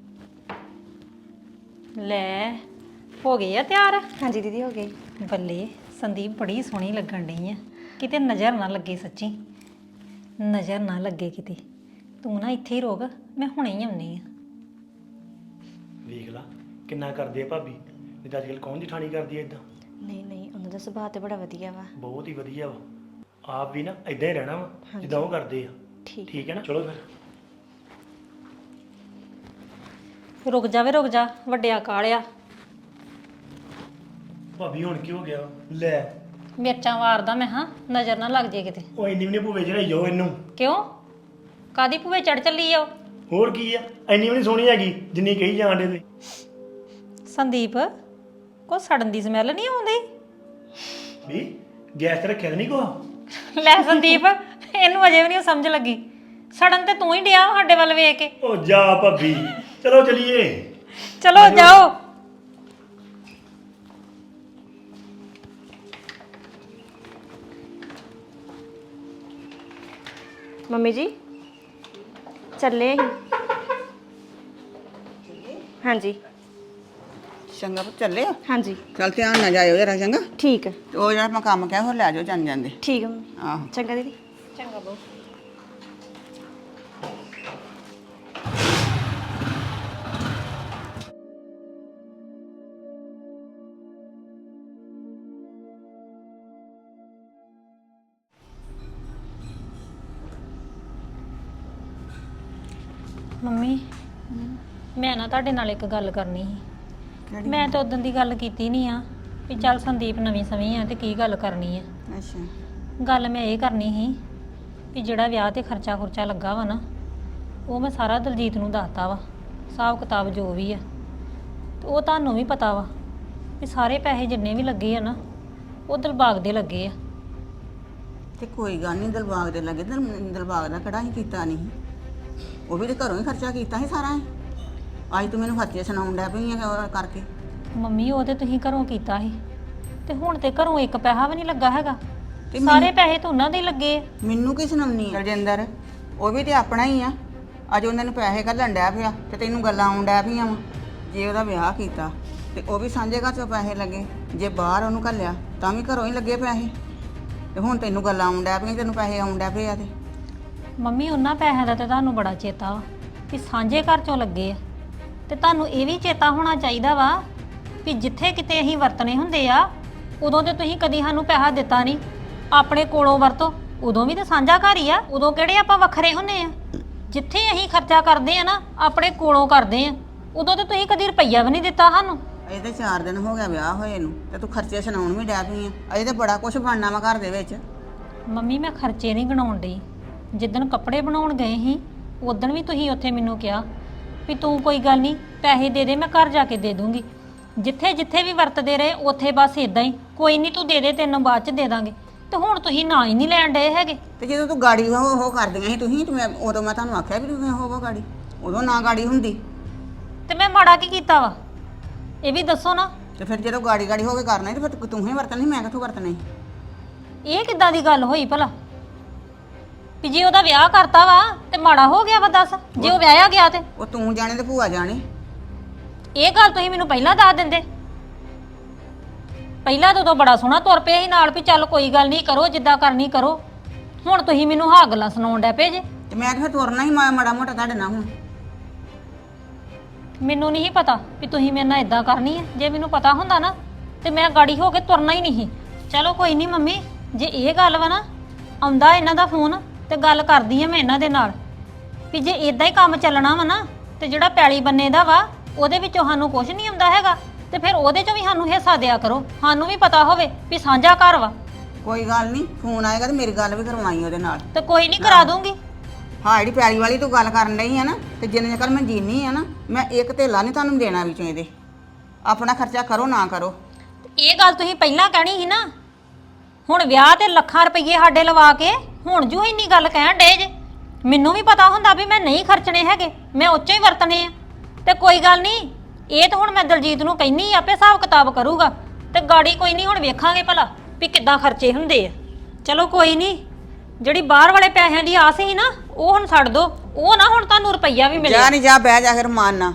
ਲੈ ਹੋ ਗਏ ਆ ਤਿਆਰ?
ਹਾਂਜੀ ਦੀਦੀ ਹੋ ਗਈ।
ਬੱਲੇ ਸੰਦੀਪ ਬੜੀ ਸੋਹਣੀ ਲੱਗਣ ਡਈ ਆ, ਕਿਤੇ ਨਜ਼ਰ ਨਾ ਲੱਗੇ, ਸੱਚੀ ਨਜ਼ਰ ਨਾ ਲੱਗੇ ਕਿਤੇ। ਤੂੰ ਨਾ ਇੱਥੇ ਹੀ ਰੋਕ, ਮੈਂ ਹੁਣੇ ਹੀ ਆਉਣੀ ਆ।
ਵੇਖ ਲਾ ਕਿੰਨਾ ਕਰਦੇ ਆ ਭਾਬੀ, ਨਹੀਂ ਤਾਂ ਅੱਜ ਕੱਲ੍ਹ ਕੌਣ ਜਠਾਣੀ ਕਰਦੀ ਐ ਇਦਾਂ?
ਨਹੀਂ ਨਹੀਂ, ਉਹਨਾਂ ਦਾ ਸੁਭਾਅ ਤੇ ਬੜਾ ਵਧੀਆ ਵਾ।
ਬਹੁਤ ਹੀ ਵਧੀਆ ਵਾ। ਆਪ ਵੀ ਨਾ ਇਦਾਂ ਹੀ ਰਹਿਣਾ ਵਾ ਜਿੱਦਾਂ ਉਹ ਕਰਦੇ ਆ।
ਠੀਕ
ਠੀਕ ਹੈ ਨਾ? ਚਲੋ ਫਿਰ।
ਰੁਕ ਜਾਵੇ, ਰੁਕ ਜਾ, ਵੱਡਿਆ ਕਾਲਿਆ।
ਭਾਬੀ ਹੁਣ ਕੀ ਹੋ ਗਿਆ? ਲੈ
ਮਿਰਚਾਂ ਵਾਰਦਾ ਮੈਂ, ਹਾਂ ਨਜ਼ਰ ਨਾ ਲੱਗ ਜੇ ਕਿਤੇ।
ਉਹ ਇੰਨੀ ਵੀ ਨਹੀਂ ਭੂਵੇ ਚੜਾਈ ਜਾਓ ਇਹਨੂੰ।
ਕਿਉਂ? ਕਾਦੀ ਭੂਵੇ ਚੜ ਚੱਲੀ ਆ ਉਹ?
ਹੋਰ ਕੀ ਆ, ਇੰਨੀ ਵੀ ਨਹੀਂ ਸੋਹਣੀ ਹੈਗੀ ਜਿੰਨੀ ਕਹੀ ਜਾਂਦੇ ਤੇ।
ਸੰਦੀਪ ਕੋ ਸੜਨ ਦੀ ਸਮੈਲ ਨਹੀਂ ਆਉਂਦੀ?
ਵੀ ਗੈਸ ਤੇ ਰੱਖਿਆ ਨਹੀਂ ਕੋ?
ਲੈ ਸੰਦੀਪ, ਇਹਨੂੰ ਅਜੇ ਵੀ ਨਹੀਂ ਸਮਝ ਲੱਗੀ। ਸੜਨ ਤੇ ਤੂੰ ਹੀ ਡਿਆ ਸਾਡੇ ਵੱਲ ਵੇਖ ਕੇ।
ਉਹ ਜਾ ਭਾਬੀ, ਚਲੋ ਚਲੀਏ।
ਚਲੋ ਜਾਓ।
ਮੰਮੀ ਜੀ ਚੱਲੇ ਅਸੀਂ। ਹਾਂਜੀ
ਚੰਗਾ ਪੁੱਤ ਚੱਲੇ ਆ?
ਹਾਂਜੀ
ਚੱਲ ਧਿਆਨ ਨਾਲ ਜਾਇਓ ਜਰਾ, ਚੰਗਾ?
ਠੀਕ ਹੈ।
ਤੇ ਉਹ ਜਿਹੜਾ ਮੈਂ ਕੰਮ ਕਿਹਾ ਹੋਰ ਲੈ ਜਾਓ ਜਾਂਦੇ ਜਾਂਦੇ।
ਠੀਕ ਹੈ ਮੰਮੀ।
ਆਹੋ
ਚੰਗਾ ਦੀਦੀ।
ਚੰਗਾ ਬੋ। ਮੰਮੀ ਮੈਂ ਨਾ ਤੁਹਾਡੇ ਨਾਲ ਇੱਕ ਗੱਲ ਕਰਨੀ ਸੀ। ਮੈਂ ਤਾਂ ਉਦੋਂ ਦੀ ਗੱਲ ਕੀਤੀ ਨਹੀਂ ਆ ਵੀ ਚੱਲ ਸੰਦੀਪ ਨਵੀਂ ਸਵੀਂ ਆ ਤੇ ਕੀ ਗੱਲ ਕਰਨੀ ਆ।
ਅੱਛਾ
ਗੱਲ ਮੈਂ ਇਹ ਕਰਨੀ ਸੀ ਵੀ ਜਿਹੜਾ ਵਿਆਹ ਤੇ ਖਰਚਾ ਖੁਰਚਾ ਲੱਗਾ ਵਾ ਨਾ, ਉਹ ਮੈਂ ਸਾਰਾ ਦਲਜੀਤ ਨੂੰ ਦੱਸਤਾ ਵਾ, ਹਿਸਾਬ ਕਿਤਾਬ ਜੋ ਵੀ ਆ। ਤੇ ਉਹ ਤੁਹਾਨੂੰ ਵੀ ਪਤਾ ਵਾ ਵੀ ਸਾਰੇ ਪੈਸੇ ਜਿੰਨੇ ਵੀ ਲੱਗੇ ਆ ਨਾ, ਉਹ ਦਿਲਬਾਗ ਦੇ ਲੱਗੇ ਆ।
ਤੇ ਕੋਈ ਗੱਲ ਨਹੀਂ, ਦਿਲਬਾਗ ਦੇ ਲੱਗੇ। ਦਿਲ- ਦਿਲਬਾਗ ਦਾ ਕਿਹੜਾ ਹੀ ਕੀਤਾ ਨਹੀਂ, ਉਹ ਵੀ ਤੇ ਘਰੋਂ ਹੀ ਖਰਚਾ ਕੀਤਾ ਸੀ ਸਾਰਾ। ਅੱਜ ਤੂੰ ਮੈਨੂੰ ਖਰਚੇ ਸੁਣਾਉਣ ਡਿਆ ਪਈ ਆ ਉਹ ਕਰਕੇ।
ਮੰਮੀ ਉਹ ਤੇ ਤੁਸੀਂ ਘਰੋਂ ਕੀਤਾ ਸੀ, ਤੇ ਹੁਣ ਤੇ ਘਰੋਂ ਇੱਕ ਪੈਸਾ ਵੀ ਨਹੀਂ ਲੱਗਾ ਹੈਗਾ।
ਤੇ
ਸਾਰੇ ਪੈਸੇ ਤਾਂ ਉਹਨਾਂ ਦੇ ਹੀ ਲੱਗੇ ਆ।
ਮੈਨੂੰ ਕੀ ਸੁਣਾਉਣੀ ਆ ਰਜਿੰਦਰ? ਉਹ ਵੀ ਤੇ ਆਪਣਾ ਹੀ ਆ। ਅੱਜ ਉਹਨਾਂ ਨੂੰ ਪੈਸੇ ਘੱਲਣ ਡਿਆ ਪਿਆ ਤੇ ਤੈਨੂੰ ਗੱਲਾਂ ਆਉਣ ਡਿਆ ਪਈਆਂ ਵਾ। ਜੇ ਉਹਦਾ ਵਿਆਹ ਕੀਤਾ ਤੇ ਉਹ ਵੀ ਸਾਂਝੇ ਘਰ ਚੋਂ ਪੈਸੇ ਲੱਗੇ, ਜੇ ਬਾਹਰ ਉਹਨੂੰ ਘੱਲਿਆ ਤਾਂ ਵੀ ਘਰੋਂ ਹੀ ਲੱਗੇ ਪੈਸੇ। ਤੇ ਹੁਣ ਤੈਨੂੰ ਗੱਲਾਂ ਆਉਣ ਡਿਆ ਪਈਆਂ, ਤੈਨੂੰ ਪੈਸੇ ਆਉਣ ਡਿਆ ਪਏ ਆ। ਤੇ
ਮੰਮੀ ਉਹਨਾਂ ਪੈਸਿਆਂ ਦਾ ਤੇ ਤੁਹਾਨੂੰ ਬੜਾ ਚੇਤਾ ਵਾ ਵੀ ਸਾਂਝੇ ਘਰ ਚੋਂ ਲੱਗੇ ਆ, ਤੇ ਤੁਹਾਨੂੰ ਇਹ ਵੀ ਚੇਤਾ ਹੋਣਾ ਚਾਹੀਦਾ ਵਾ ਵੀ ਜਿੱਥੇ ਕਿਤੇ ਅਸੀਂ ਵਰਤਣੇ ਹੁੰਦੇ ਆ, ਉਦੋਂ ਤੇ ਤੁਸੀਂ ਕਦੀ ਸਾਨੂੰ ਪੈਸਾ ਦਿੱਤਾ ਨਹੀਂ। ਆਪਣੇ ਕੋਲੋਂ ਵਰਤੋ, ਉਦੋਂ ਵੀ ਤਾਂ ਸਾਂਝਾ ਘਰ ਹੀ ਆ, ਉਦੋਂ ਕਿਹੜੇ ਆਪਾਂ ਵੱਖਰੇ ਹੁੰਨੇ ਆ। ਜਿੱਥੇ ਅਸੀਂ ਖਰਚਾ ਕਰਦੇ ਆ ਨਾ, ਆਪਣੇ ਕੋਲੋਂ ਕਰਦੇ ਆ, ਉਦੋਂ ਤੇ ਤੁਸੀਂ ਕਦੀ ਰੁਪਈਆ ਵੀ ਨਹੀਂ ਦਿੱਤਾ ਸਾਨੂੰ।
ਅਜੇ ਤੇ ਚਾਰ ਦਿਨ ਹੋ ਗਿਆ ਵਿਆਹ ਹੋਏ ਨੂੰ ਤੇ ਤੂੰ ਖਰਚੇ ਸੁਣਾਉਣ ਵੀ ਡਿਆ ਪਈ ਆ। ਅਜੇ ਤੇ ਬੜਾ ਕੁਝ ਬਣਨਾ ਵਾ ਘਰ ਦੇ ਵਿੱਚ।
ਮੰਮੀ ਮੈਂ ਖਰਚੇ ਨਹੀਂ ਗਣਾਉਣ ਡਈ। ਜਿੱਦਣ ਕੱਪੜੇ ਬਣਾਉਣ ਗਏ ਸੀ, ਉਦੋਂ ਵੀ ਤੁਸੀਂ ਉੱਥੇ ਮੈਨੂੰ ਕਿਹਾ ਵੀ ਤੂੰ ਕੋਈ ਗੱਲ ਨਹੀਂ ਪੈਸੇ ਦੇ ਦੇ, ਮੈਂ ਘਰ ਜਾ ਕੇ ਦੇ ਦੂੰਗੀ। ਜਿੱਥੇ ਜਿੱਥੇ ਵੀ ਵਰਤਦੇ ਰਹੇ ਉੱਥੇ ਬਸ ਇਦਾਂ ਹੀ, ਕੋਈ ਨਹੀਂ ਤੂੰ ਦੇ ਦੇ, ਤੈਨੂੰ ਬਾਅਦ ਚ ਦੇ ਦਾਂਗੇ। ਤੇ ਹੁਣ ਤੁਸੀਂ ਨਾ ਹੀ ਨਹੀਂ ਲੈਣ ਡਏ ਹੈਗੇ।
ਤੇ ਜਦੋਂ ਤੂੰ ਗਾੜੀ ਉਹ ਉਹ ਕਰਦੀਆਂ ਸੀ ਤੁਸੀਂ, ਤੇ ਮੈਂ ਉਦੋਂ ਮੈਂ ਤੁਹਾਨੂੰ ਆਖਿਆ ਵੀ ਤੁਸੀਂ ਹੋਵੋ ਗਾੜੀ, ਉਦੋਂ ਨਾ ਗਾੜੀ ਹੁੰਦੀ।
ਤੇ ਮੈਂ ਮਾੜਾ ਕੀ ਕੀਤਾ ਵਾ, ਇਹ ਵੀ ਦੱਸੋ ਨਾ।
ਤੇ ਫਿਰ ਜਦੋਂ ਗਾੜੀ ਗਾੜੀ ਹੋ ਕੇ ਕਰਨਾ ਸੀ, ਤੇ ਫਿਰ ਤੂੰ ਹੀ ਵਰਤਣਾ ਸੀ, ਮੈਂ ਕਿੱਥੋਂ ਵਰਤਣਾ ਸੀ?
ਇਹ ਕਿੱਦਾਂ ਦੀ ਗੱਲ ਹੋਈ ਭਲਾ ਵੀ ਜੇ ਉਹਦਾ ਵਿਆਹ ਕਰਤਾ ਵਾ ਤੇ ਮਾੜਾ ਹੋ ਗਿਆ ਵਾ? ਦੱਸ, ਜੇ ਉਹ ਵਿਆਹਿਆ ਗਿਆ ਤੇ
ਉਹ ਤੂੰ ਜਾਣੇ ਤੇ ਭੂਆ ਜਾਣੇ।
ਇਹ ਗੱਲ ਤੁਸੀਂ ਮੈਨੂੰ ਪਹਿਲਾਂ ਦੱਸ ਦਿੰਦੇ। ਪਹਿਲਾਂ ਤਾਂ ਉਦੋਂ ਬੜਾ ਸੋਹਣਾ ਤੁਰ ਪਿਆ ਸੀ ਨਾਲ ਵੀ ਚੱਲ ਕੋਈ ਗੱਲ ਨਹੀਂ, ਕਰੋ ਜਿੱਦਾਂ ਕਰਨੀ ਕਰੋ। ਹੁਣ ਤੁਸੀਂ ਮੈਨੂੰ ਹਾਂ ਗੱਲਾਂ ਸੁਣਾਉਣ ਡੈ ਪਏ ਜੇ।
ਤੇ ਮੈਂ ਤਾਂ ਫਿਰ ਤੁਰਨਾ ਹੀ ਮਾ- ਮਾੜਾ ਮੋਟਾ ਤੁਹਾਡੇ ਨਾਲ। ਹੁਣ
ਮੈਨੂੰ ਨਹੀਂ ਪਤਾ ਵੀ ਤੁਸੀਂ ਮੇਰੇ ਨਾਲ ਇਦਾਂ ਕਰਨੀ ਹੈ। ਜੇ ਮੈਨੂੰ ਪਤਾ ਹੁੰਦਾ ਨਾ ਤੇ ਮੈਂ ਗਾੜੀ ਹੋ ਕੇ ਤੁਰਨਾ ਹੀ ਨਹੀਂ। ਚਲੋ ਕੋਈ ਨਹੀਂ ਮੰਮੀ, ਜੇ ਇਹ ਗੱਲ ਵਾ ਨਾ, ਆਉਂਦਾ ਇਹਨਾਂ ਦਾ ਫੋਨ ਤੇ ਗੱਲ ਕਰਦੀ ਆ ਮੈਂ ਇਹਨਾਂ ਦੇ ਨਾਲ ਵੀ ਜੇ ਇਦਾਂ ਹੀ ਕੰਮ ਚੱਲਣਾ ਵਾ ਨਾ, ਤੇ ਜਿਹੜਾ ਪੈਲੀ ਬੰਨੇ ਦਾ ਵਾ ਉਹਦੇ ਵਿੱਚੋਂ ਸਾਨੂੰ ਕੁਝ ਨਹੀਂ ਆਉਂਦਾ ਹੈਗਾ, ਤੇ ਫਿਰ ਉਹਦੇ ਚੋਂ ਵੀ ਸਾਨੂੰ ਹਿੱਸਾ ਦਿਆ ਕਰੋ। ਸਾਨੂੰ ਵੀ ਪਤਾ ਹੋਵੇ ਵੀ ਸਾਂਝਾ ਘਰ ਵਾ।
ਕੋਈ ਗੱਲ ਨਹੀਂ, ਫੋਨ ਆਏਗਾ ਤੇ ਮੇਰੀ ਗੱਲ ਵੀ ਕਰਵਾਈ ਉਹਦੇ ਨਾਲ।
ਤੇ ਕੋਈ ਨਹੀਂ ਕਰਾ ਦੂੰਗੀ।
ਹਾਂ, ਜਿਹੜੀ ਪੈਲੀ ਵਾਲੀ ਤੂੰ ਗੱਲ ਕਰਨ ਰਹੀ ਆ ਨਾ, ਤੇ ਜਿੰਨੇ ਚਿਰ ਮੈਂ ਜੀਨੀ ਆ ਨਾ, ਮੈਂ ਇੱਕ ਧੇਲਾ ਨਹੀਂ ਤੁਹਾਨੂੰ ਦੇਣਾ ਵਿੱਚੋਂ ਇਹਦੇ। ਆਪਣਾ ਖਰਚਾ ਕਰੋ ਨਾ ਕਰੋ।
ਇਹ ਗੱਲ ਤੁਸੀਂ ਪਹਿਲਾਂ ਕਹਿਣੀ ਸੀ ਨਾ। ਹੁਣ ਵਿਆਹ ਤੇ ਲੱਖਾਂ ਰੁਪਏ ਸਾਡੇ ਲਵਾ ਕੇ ਹੁਣ ਜੂ ਇੰਨੀ ਗੱਲ ਕਹਿਣ ਡੇ ਜੇ। ਮੈਨੂੰ ਵੀ ਪਤਾ ਹੁੰਦਾ ਵੀ ਮੈਂ ਨਹੀਂ ਖਰਚਣੇ ਹੈਗੇ, ਮੈਂ ਉੱਚੋਂ ਹੀ ਵਰਤਣੇ ਆ। ਤੇ ਕੋਈ ਗੱਲ ਨਹੀਂ, ਇਹ ਤਾਂ ਹੁਣ ਮੈਂ ਦਲਜੀਤ ਨੂੰ ਕਹਿੰਨੀ ਆਪੇ ਹਿਸਾਬ ਕਿਤਾਬ ਕਰੂਗਾ। ਤੇ ਗਾੜੀ ਕੋਈ ਨਹੀਂ, ਹੁਣ ਵੇਖਾਂਗੇ ਭਲਾ ਵੀ ਕਿੱਦਾਂ ਖਰਚੇ ਹੁੰਦੇ ਆ। ਚਲੋ ਕੋਈ ਨਹੀਂ, ਜਿਹੜੀ ਬਾਹਰ ਵਾਲੇ ਪੈਸਿਆਂ ਦੀ ਆਸ ਸੀ ਨਾ, ਉਹ ਹੁਣ ਛੱਡ ਦੋ। ਉਹ ਨਾ ਹੁਣ ਤੁਹਾਨੂੰ ਰੁਪਈਆ ਵੀ ਮਿਲੇ।
ਜਾ ਨਹੀਂ ਜਾ, ਬਹਿ ਜਾ ਫਿਰ ਮਾਨਣਾ।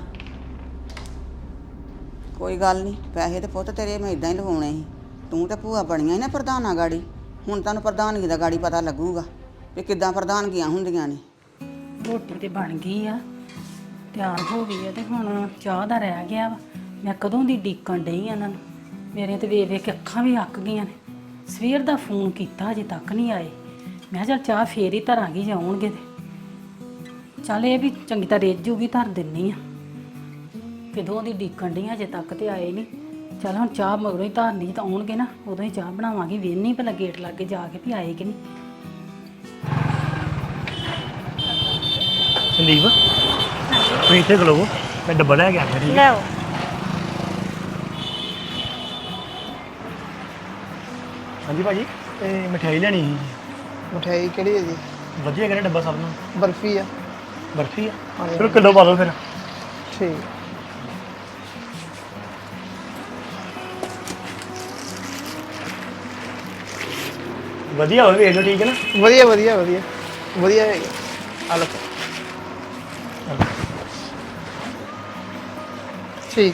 ਕੋਈ ਗੱਲ ਨਹੀਂ, ਪੈਸੇ ਤੇ ਪੁੱਤ ਤੇਰੇ ਮੈਂ ਇਦਾਂ ਹੀ ਲਵਾਉਣੇ ਸੀ। ਤੂੰ ਤੇ ਭੂਆ ਬਣੀਆਂ ਸੀ ਨਾ ਪ੍ਰਧਾਨਾਂ ਗਾੜੀ। ਹੁਣ ਤੁਹਾਨੂੰ ਪ੍ਰਧਾਨਗੀ ਦਾ ਗਾੜੀ ਪਤਾ ਲੱਗੂਗਾ ਵੀ ਕਿੱਦਾਂ ਪ੍ਰਧਾਨਗੀਆਂ ਹੁੰਦੀਆਂ ਨੇ।
ਰੋਟੀ ਤੇ ਬਣ ਗਈ ਆ, ਤਿਆਰ ਹੋ ਗਈ ਆ, ਤੇ ਹੁਣ ਚਾਹ ਦਾ ਰਹਿ ਗਿਆ ਵਾ। ਮੈਂ ਕਦੋਂ ਦੀ ਡੀਕਣ ਡਈ ਆ ਇਹਨਾਂ ਨੂੰ। ਮੇਰੇ ਤੇ ਵੇਖ ਵੇਖ ਕੇ ਅੱਖਾਂ ਵੀ ਅੱਕ ਗਈਆਂ ਨੇ। ਸਵੇਰ ਦਾ ਫੋਨ ਕੀਤਾ, ਅਜੇ ਤੱਕ ਨਹੀਂ ਆਏ। ਮੈਂ ਕਿਹਾ ਚੱਲ ਚਾਹ ਫੇਰ ਹੀ ਧਰਾਂਗੀ ਜੇ ਆਉਣਗੇ ਤੇ। ਚੱਲ ਇਹ ਵੀ ਚੰਗੀ ਤਰ੍ਹਾਂ ਰਿੱਝ ਜੂਗੀ, ਧਰ ਦਿੰਨੀ ਆ। ਕਦੋਂ ਦੀ ਡੀਕਣ ਡਈ ਆ, ਅਜੇ ਤੱਕ ਤੇ ਆਏ ਨਹੀਂ। ਚੱਲ ਹੁਣ ਚਾਹ ਮਗਰੋਂ ਹੀ ਧਰਨੀ, ਤਾਂ ਆਉਣਗੇ ਨਾ ਉਦੋਂ ਹੀ ਚਾਹ ਬਣਾਵਾਂਗੀ। ਵੇਹਨੀ ਪਹਿਲਾਂ ਗੇਟ ਲੱਗੇ ਜਾ ਕੇ ਵੀ ਆਏ ਕਿ ਨਹੀਂ।
ਸੰਦੀਪ ਤੁਸੀਂ ਇੱਥੇ ਖਲੋਵੋ, ਮੈਂ ਡੱਬਾ ਲੈ ਕੇ ਆ ਗਿਆ। ਠੀਕ ਹੈ,
ਲੈ ਆਓ।
ਹਾਂਜੀ ਭਾਜੀ, ਤੇ ਮਠਿਆਈ ਲੈਣੀ ਸੀ।
ਮਠਿਆਈ ਕਿਹੜੀ ਹੈ ਜੀ?
ਵਧੀਆ ਕਰੇ ਡੱਬਾ ਸਭ ਨੂੰ।
ਬਰਫੀ ਆ।
ਬਰਫੀ ਆ, ਚਲੋ ਕਿਲੋ ਪਾ ਦਿਓ ਫਿਰ।
ਠੀਕ।
ਵਧੀਆ ਹੋਵੇ, ਵੇਖ ਲਓ। ਠੀਕ ਹੈ ਨਾ?
ਵਧੀਆ ਵਧੀਆ ਵਧੀਆ ਵਧੀਆ ਹੈਗਾ। ਆ ਲਓ। ਠੀਕ।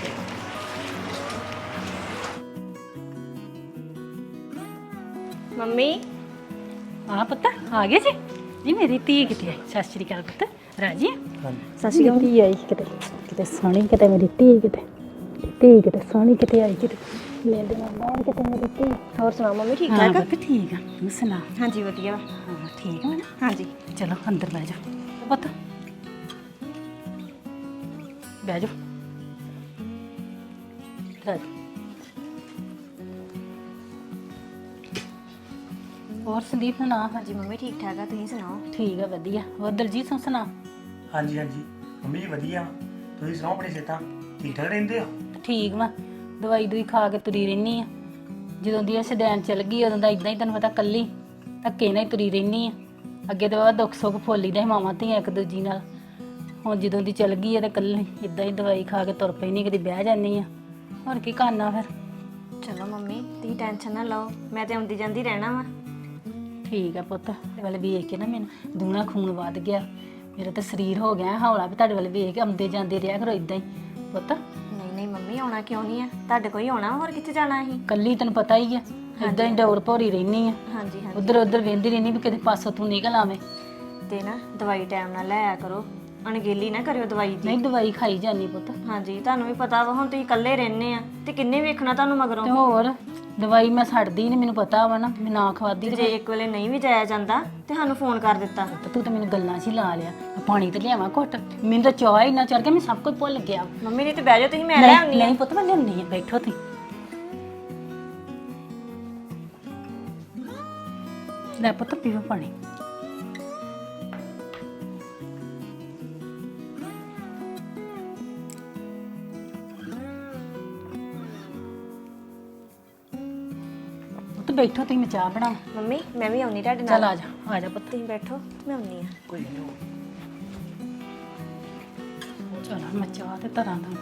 ਮੰਮੀ
ਹਾਂ ਪੁੱਤ, ਆ ਗਏ ਜੀ? ਜੀ ਮੇਰੀ ਧੀ ਕਿਤੇ ਆਈ। ਸਤਿ ਸ਼੍ਰੀ ਅਕਾਲ ਪੁੱਤ, ਰਾਜੀ?
ਹਾਂਜੀ।
ਸਤਿ ਸ਼੍ਰੀ ਅਕਾਲ। ਧੀ ਆਈ ਕਿਤੇ, ਕਿਤੇ ਸੋਹਣੀ, ਕਿਤੇ ਮੇਰੀ ਧੀ, ਕਿਤੇ ਧੀ ਕਿਤੇ ਸੋਹਣੀ, ਕਿਤੇ ਆਈ ਕਿਤੇ ਲੈ ਦੇ ਮਾਂ, ਕਿਤੇ ਮੇਰੀ ਧੀ।
ਹੋਰ ਸੁਣਾਓ ਮੰਮੀ, ਠੀਕ
ਹਾਂ
ਠਾਕ?
ਪੁੱਤ ਠੀਕ ਆ, ਤੂੰ ਸੁਣਾ?
ਹਾਂਜੀ ਵਧੀਆ।
ਹਾਂ ਠੀਕ ਆ ਨਾ?
ਹਾਂਜੀ
ਚਲੋ ਅੰਦਰ ਬਹਿ ਜਾ ਪੁੱਤ, ਬਹਿ ਜਾ। ਰਾਜੀ, ਹੋਰ ਸੰਦੀਪ ਸੁਣਾ?
ਹਾਂਜੀ ਮੰਮੀ ਠੀਕ ਠਾਕ ਆ, ਤੁਸੀਂ ਸੁਣਾਓ?
ਠੀਕ ਆ ਵਧੀਆ। ਹੋਰ ਦਲਜੀਤ ਸਿੰਘ ਸੁਣਾ?
ਹਾਂਜੀ ਹਾਂਜੀ ਮੰਮੀ ਜੀ ਵਧੀਆ। ਤੁਸੀਂ ਸੁਣਾਓ, ਆਪਣੀ ਸਿਹਤਾਂ ਠੀਕ ਠਾਕ ਰਹਿੰਦੇ ਹੋ?
ਠੀਕ ਵਾ, ਦਵਾਈ ਦੂਈ ਖਾ ਕੇ ਤੁਰੀ ਰਹਿਨੀ ਆ। ਜਦੋਂ ਦੀ ਇਹ ਸਦੈਨ ਚੱਲ ਗਈ ਉਦੋਂ ਦਾ ਇਦਾਂ ਹੀ ਤੈਨੂੰ ਪਤਾ, ਕੱਲੀ ਧੱਕੇ ਨਾਲ ਹੀ ਤੁਰੀ ਰਹਿਨੀ ਆ। ਅੱਗੇ ਤਾਂ ਬਾਬਾ ਦੁੱਖ ਸੁੱਖ ਫੋਲੀ ਦੇ ਮਾਵਾਂ ਧੀਆਂ ਇੱਕ ਦੂਜੀ ਨਾਲ। ਹੁਣ ਜਦੋਂ ਦੀ ਚੱਲ ਗਈ ਆ ਤੇ ਕੱਲੀ ਇਦਾਂ ਹੀ ਦਵਾਈ ਖਾ ਕੇ ਤੁਰ ਪੈਣੀ, ਕਦੀ ਬਹਿ ਜਾਂਦੀ ਆ। ਹੋਰ ਕੀ ਕਰਨਾ ਫਿਰ।
ਚਲੋ ਮੰਮੀ ਤੁਸੀਂ ਟੈਨਸ਼ਨ ਨਾ ਲਓ, ਮੈਂ ਤੇ ਆਉਂਦੀ ਜਾਂਦੀ ਰਹਿਣਾ ਵਾ।
ਠੀਕ ਆ ਪੁੱਤ, ਤੁਹਾਡੇ ਵੱਲ ਵੇਖ ਕੇ ਨਾ ਮੈਨੂੰ ਦੂਣਾ ਖੂਨ ਵੱਧ ਗਿਆ। ਮੇਰਾ ਤਾਂ ਸਰੀਰ ਹੋ ਗਿਆ ਹੌਲਾ ਵੀ ਤੁਹਾਡੇ ਵੱਲ ਵੇਖ ਕੇ ਆਉਂਦੇ ਜਾਂਦੇ ਰਿਹਾ ਕਰੋ ਇਦਾਂ ਹੀ ਪੁੱਤ।
ਨਹੀਂ ਨਹੀਂ ਮੰਮੀ, ਆਉਣਾ ਕਿਉਂ ਨਹੀਂ ਆ? ਤੁਹਾਡੇ ਕੋਈ ਆਉਣਾ, ਹੋਰ ਕਿੱਥੇ ਜਾਣਾ ਅਸੀਂ?
ਕੱਲੀ ਤੈਨੂੰ ਪਤਾ ਹੀ ਆ, ਇਦਾਂ ਹੀ ਡੋਰ ਭੋਰੀ ਰਹਿਨੀ ਆ।
ਹਾਂਜੀ ਹਾਂਜੀ।
ਉਧਰ ਉਧਰ ਵੇਂਦੀ ਰਹਿਨੀ ਵੀ ਕਿਤੇ ਪਾਸੋਂ ਤੂੰ ਨਿਕਲ ਆਵੇਂ।
ਤੇ ਨਾ ਦਵਾਈ ਟਾਈਮ ਨਾਲ ਲੈ ਆਇਆ ਕਰੋ, ਅਣਗੇਲੀ ਨਾ ਕਰਿਓ ਦਵਾਈ ਦੀ।
ਨਹੀਂ ਦਵਾਈ ਖਾਈ ਜਾਨੀ ਪੁੱਤ।
ਹਾਂਜੀ ਤੁਹਾਨੂੰ ਵੀ ਪਤਾ ਵਾ, ਹੁਣ ਤੁਸੀਂ ਇਕੱਲੇ ਰਹਿੰਦੇ ਆ ਤੇ ਕਿੰਨੇ ਵੇਖਣਾ ਤੁਹਾਨੂੰ ਮਗਰੋਂ।
ਤੇ ਹੋਰ ਦਵਾਈ ਮੈਂ ਛੱਡਦੀ ਨਹੀਂ, ਮੈਨੂੰ ਪਤਾ ਵਾ ਨਾ, ਮੈਂ ਨਾ ਖਵਾਦੀ।
ਜੇ ਇੱਕ ਵੇਲੇ ਨਹੀਂ ਵੀ ਜਾਇਆ ਜਾਂਦਾ ਤੇ ਸਾਨੂੰ ਫੋਨ ਕਰ ਦਿੱਤਾ।
ਤੂੰ ਤਾਂ ਮੈਨੂੰ ਗੱਲਾਂ 'ਚ ਹੀ ਲਾ ਲਿਆ। ਪਾਣੀ ਤੇ ਲਿਆਵਾਂ ਘੁੱਟ, ਮੈਨੂੰ ਤਾਂ ਚਾਹ ਹੀ ਨਾ ਚੜ ਗਿਆ, ਮੈਂ ਸਭ ਕੁਝ ਭੁੱਲ ਗਿਆ।
ਮੰਮੀ ਨੇ ਤੇ ਬਹਿ ਜਾਓ, ਤੁਸੀਂ ਮੈਂ ਲੈ ਆਉਣੀ ਆ।
ਨਹੀਂ ਪੁੱਤ, ਮੈਂ ਲਿਆਉਣੀ ਆ, ਬੈਠੋ ਤੁਸੀਂ। ਲੈ ਪੁੱਤ ਪੀਓ ਪਾਣੀ। ਬੈਠੋ ਤੁਸੀਂ ਮੈਂ ਚਾਹ ਬਣਾਵਾਂ।
ਮੰਮੀ ਮੈਂ ਵੀ ਆਉਣੀ ਤੁਹਾਡੇ
ਚੱਲ
ਨਾਲ।
ਆ ਜਾ ਆ ਜਾ ਪੁੱਤ।
ਤੁਸੀਂ ਬੈਠੋ ਮੈਂ ਆਉਣੀ ਆ।
ਕੋਈ ਨਹੀਂ ਚਲ ਮੈਂ ਚਾਹ ਤੇ ਧਰਾਂ ਦਾ।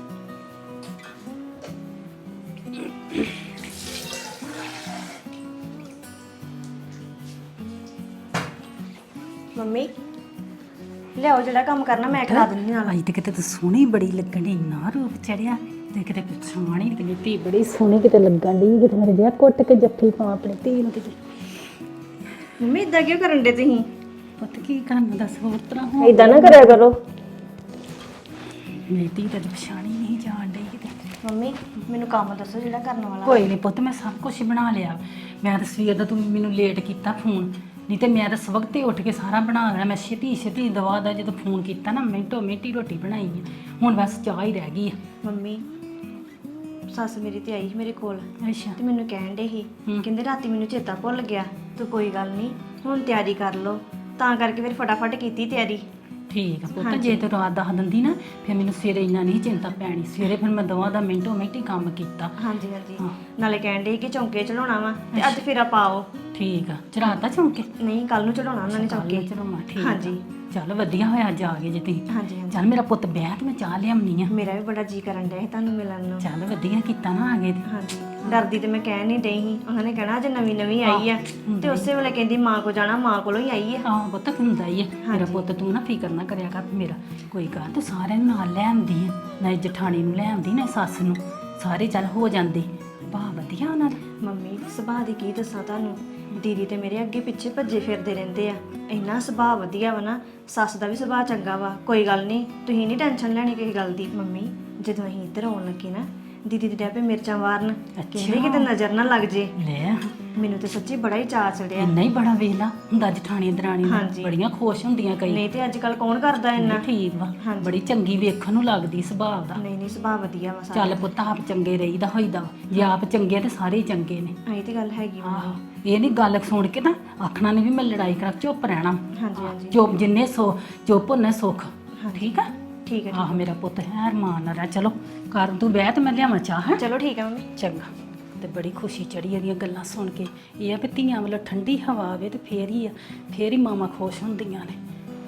ਮੰਮੀ ਲਿਆਓ ਜਿਹੜਾ ਕੰਮ ਕਰਨਾ ਮੈਂ ਕਰਾ ਦਿੰਦੀ ਨਾਲ।
ਅੱਜ ਤੇ ਕਿਤੇ ਤੂੰ ਸੋਹਣੀ ਬੜੀ ਲੱਗਣ ਦੀ, ਇੰਨਾ ਰੂਪ ਚੜਿਆ ਤੇ ਕਿਤੇ ਪੁੱਛਾਣੀ ਕਿਤੇ ਧੀ ਬੜੀ ਸੋਹਣੀ ਕਿਤੇ ਲੱਗਣ ਦੀ, ਕਿਤੇ ਮੇਰੇ ਜਿਹਾ ਕੁੱਟ ਕੇ ਜੱਫੀ ਪਾ ਆਪਣੀ ਧੀ ਨੂੰ ਕਿਤੇ।
ਮੰਮੀ ਇਦਾਂ ਕਿਉਂ ਕਰਨ ਦੇ ਤੁਸੀਂ?
ਪੁੱਤ ਕੀ ਕਰਨਾ ਦੱਸ, ਹੋਰ ਤਰ੍ਹਾਂ ਹੋ
ਇਦਾਂ ਨਾ ਕਰਿਆ ਕਰੋ।
ਮੇਰੀ ਧੀ ਤਾਂ ਪਛਾਣੀ ਨਹੀਂ ਜਾਣ ਡਈ ਕਿਤੇ।
ਮੰਮੀ ਮੈਨੂੰ ਕੰਮ ਦੱਸੋ ਜਿਹੜਾ ਕਰਨ ਵਾਲਾ।
ਕੋਈ ਨਹੀਂ ਪੁੱਤ, ਮੈਂ ਸਭ ਕੁਝ ਬਣਾ ਲਿਆ। ਮੈਂ ਤਾਂ ਸਵੇਰ ਦਾ ਤੂੰ ਮੈਨੂੰ ਲੇਟ ਕੀਤਾ ਫੋਨ, ਨਹੀਂ ਤੇ ਮੈਂ ਤਾਂ ਸਵਖਤੇ ਹੀ ਉੱਠ ਕੇ ਸਾਰਾ ਬਣਾ ਲਿਆ। ਮੈਂ ਛੇਤੀ ਛੇਤੀ ਦਵਾ ਦਾ ਜਦੋਂ ਫੋਨ ਕੀਤਾ ਨਾ ਮਿੰਟੋ ਮਿੰਟੀ ਰੋਟੀ ਬਣਾਈ ਹੈ। ਹੁਣ ਬਸ ਚਾਹ ਹੀ ਰਹਿ ਗਈ ਹੈ।
ਮੰਮੀ ਸੱਸ ਮੇਰੀ ਤੇ ਆਈ ਸੀ ਮੇਰੇ ਕੋਲ
ਅੱਛਾ
ਤੇ ਮੈਨੂੰ ਕਹਿਣ ਡੇ ਸੀ, ਕਹਿੰਦੇ ਰਾਤੀ ਮੈਨੂੰ ਚੇਤਾ ਭੁੱਲ ਗਿਆ, ਤੂੰ ਕੋਈ ਗੱਲ ਨਹੀਂ ਹੁਣ ਤਿਆਰੀ ਕਰ ਲਓ। ਤਾਂ ਕਰਕੇ ਫਿਰ ਫਟਾਫਟ ਕੀਤੀ ਤਿਆਰੀ।
ਠੀਕ ਆ ਪੁੱਤ, ਜੇ ਤੂੰ ਰਾਤ ਦੱਸ ਦਿੰਦੀ ਨਾ ਫਿਰ ਮੈਨੂੰ ਸਵੇਰੇ ਇੰਨਾ ਨਹੀਂ ਚਿੰਤਾ ਪੈਣੀ। ਸਵੇਰੇ ਫਿਰ ਮੈਂ ਦਵਾ ਦਾ ਮਿੰਟੋ ਮਿੰਟੀ ਕੰਮ ਕੀਤਾ।
ਹਾਂਜੀ ਹਾਂਜੀ ਨਾਲੇ ਕਹਿਣ ਡੇ ਕਿ ਚੌਂਕੇ ਚੜਾਉਣਾ ਵਾ ਤੇ ਅੱਜ ਫੇਰਾ ਪਾਓ।
ਠੀਕ ਆ, ਚੜਾਤਾ ਚੌਂਕੇ?
ਨਹੀਂ ਕੱਲ ਨੂੰ ਚੜਾਉਣਾ ਉਹਨਾਂ ਨੇ ਚੌਂਕੇ।
ਚੜਾਉਣਾ, ਠੀਕ।
ਹਾਂਜੀ
ਚੱਲ ਵਧੀਆ ਹੋਇਆ ਅੱਜ ਆ ਗਏ ਜੇ ਤੁਸੀਂ।
ਹਾਂਜੀ ਹਾਂਜੀ
ਚੱਲ ਮੇਰਾ ਪੁੱਤ ਬਹਿ ਤੇ ਮੈਂ ਚਾਹ ਲਿਆਉਣੀ ਆ।
ਮੇਰਾ ਵੀ ਬੜਾ ਜੀ ਕਰਨ ਡਿਆ ਸੀ ਤੁਹਾਨੂੰ ਮਿਲਣ ਨੂੰ।
ਚੱਲ ਵਧੀਆ ਕੀਤਾ ਨਾ ਆ ਗਏ ਤੇ।
ਹਾਂਜੀ ਡਰਦੀ ਤੇ ਮੈਂ ਕਹਿ ਨਹੀਂ ਡਈ ਸੀ। ਉਹਨਾਂ ਨੇ ਕਹਿਣਾ ਅੱਜ ਨਵੀਂ ਨਵੀਂ ਆਈ ਆ ਤੇ ਉਸੇ ਵੇਲੇ ਕਹਿੰਦੀ ਮਾਂ ਕੋ ਜਾਣਾ, ਮਾਂ ਕੋਲੋਂ ਹੀ ਆਈ ਆ।
ਆਹ ਪੁੱਤ ਹੁੰਦਾ ਹੀ ਹੈ ਮੇਰਾ ਪੁੱਤ, ਤੂੰ ਨਾ ਫਿਕਰ ਨਾ ਕਰਿਆ ਕਰ ਮੇਰਾ। ਕੋਈ ਗੱਲ ਤੂੰ ਸਾਰਿਆਂ ਨੂੰ ਨਾਲ ਲੈ ਆਉਂਦੀ ਆ, ਨਾ ਜਠਾਣੀ ਨੂੰ ਲੈ ਆਉਂਦੀ ਨਾ ਸੱਸ ਨੂੰ, ਸਾਰੇ ਚੱਲ ਹੋ ਜਾਂਦੇ। ਵਾਹ ਵਧੀਆ ਉਹਨਾਂ ਦਾ।
ਮੰਮੀ ਸੁਭਾਅ ਦੀ ਕੀ ਦੱਸਾਂ ਤੁਹਾਨੂੰ, ਦੀਦੀ ਤੇ ਮੇਰੇ ਅੱਗੇ ਪਿੱਛੇ ਭੱਜੇ ਫਿਰਦੇ ਰਹਿੰਦੇ ਆ। ਇੰਨਾ ਸੁਭਾਅ ਵਧੀਆ ਵਾ ਨਾ, ਸੱਸ ਦਾ ਵੀ ਸੁਭਾਅ ਚੰਗਾ ਵਾ। ਕੋਈ ਗੱਲ ਨਹੀਂ, ਤੁਸੀਂ ਨਹੀਂ ਟੈਨਸ਼ਨ ਲੈਣੀ ਕਿਸੇ ਗੱਲ ਦੀ। ਮੰਮੀ ਜਦੋਂ ਅਸੀਂ ਇੱਧਰ ਆਉਣ ਲੱਗੇ ਨਾ, ਦੀਦੀ ਦੇ ਡੈਪੇ ਮਿਰਚਾਂ ਵਾਰਨ, ਕਹਿੰਦੇ ਕਿਤੇ ਨਜ਼ਰ ਨਾ ਲੱਗ ਜੇ।
ਲੈ
ਮੈਨੂੰ ਤੇ ਸੱਚੀ ਬੜਾ ਹੀ ਚਾਅ ਚੜਿਆ।
ਇੰਨਾ ਹੀ ਬੜਾ ਵੇਲਾ ਹੁੰਦਾ ਜਠਾਣੀ ਦਰਾਣੀ ਨਾਲ, ਬੜੀਆਂ ਖੁਸ਼ ਹੁੰਦੀਆਂ ਕਈ।
ਨਹੀਂ ਤੇ ਅੱਜ ਕੱਲ ਕੌਣ ਕਰਦਾ ਇੰਨਾ।
ਠੀਕ ਵਾ, ਬੜੀ ਚੰਗੀ ਵੇਖਣ ਨੂੰ ਲੱਗਦੀ ਸੁਭਾਅ ਦਾ।
ਨਹੀਂ ਨਹੀਂ ਸੁਭਾਅ ਵਧੀਆ ਵਾ ਸਾਰਾ।
ਚੱਲ ਪੁੱਤ ਆਪ ਚੰਗੇ ਰਹੀਦਾ ਹੋਈਦਾ ਵਾ। ਜੇ ਆਪ ਚੰਗੇ ਤੇ ਸਾਰੇ ਹੀ ਚੰਗੇ ਨੇ।
ਐਂ ਤੇ ਗੱਲ ਹੈਗੀ ਵਾ।
ਆਹੋ ਇਹ ਨਹੀਂ ਗੱਲ ਸੁਣ ਕੇ ਨਾ ਆਖਣਾ ਨਹੀਂ ਵੀ ਮੈਂ ਲੜਾਈ ਕਰਾਂ, ਚੁੱਪ ਰਹਿਣਾ।
ਹਾਂਜੀ ਹਾਂਜੀ
ਚੁੱਪ ਜਿੰਨੇ ਸੋ ਚੁੱਪ ਉਹਨੇ ਸੁੱਖ। ਠੀਕ ਆ?
ਠੀਕ ਹੈ।
ਆਹ ਮੇਰਾ ਪੁੱਤ ਹੈ ਅਰਮਾਨ ਨਾਲ ਰਹਿ। ਚਲੋ ਕਰ ਤੂੰ ਬਹਿ ਤੇ ਮੈਂ ਲਿਆਵਾਂ ਚਾਹ। ਹੈ
ਚਲੋ ਠੀਕ ਹੈ ਮੰਮੀ।
ਚੰਗਾ। ਤੇ ਬੜੀ ਖੁਸ਼ੀ ਚੜੀ ਇਹਦੀਆਂ ਗੱਲਾਂ ਸੁਣ ਕੇ। ਇਹ ਆ ਵੀ ਧੀਆਂ ਵੱਲੋਂ ਠੰਡੀ ਹਵਾ ਆਵੇ ਤੇ ਫੇਰ ਹੀ ਆ, ਫੇਰ ਹੀ ਮਾਵਾਂ ਖੁਸ਼ ਹੁੰਦੀਆਂ ਨੇ।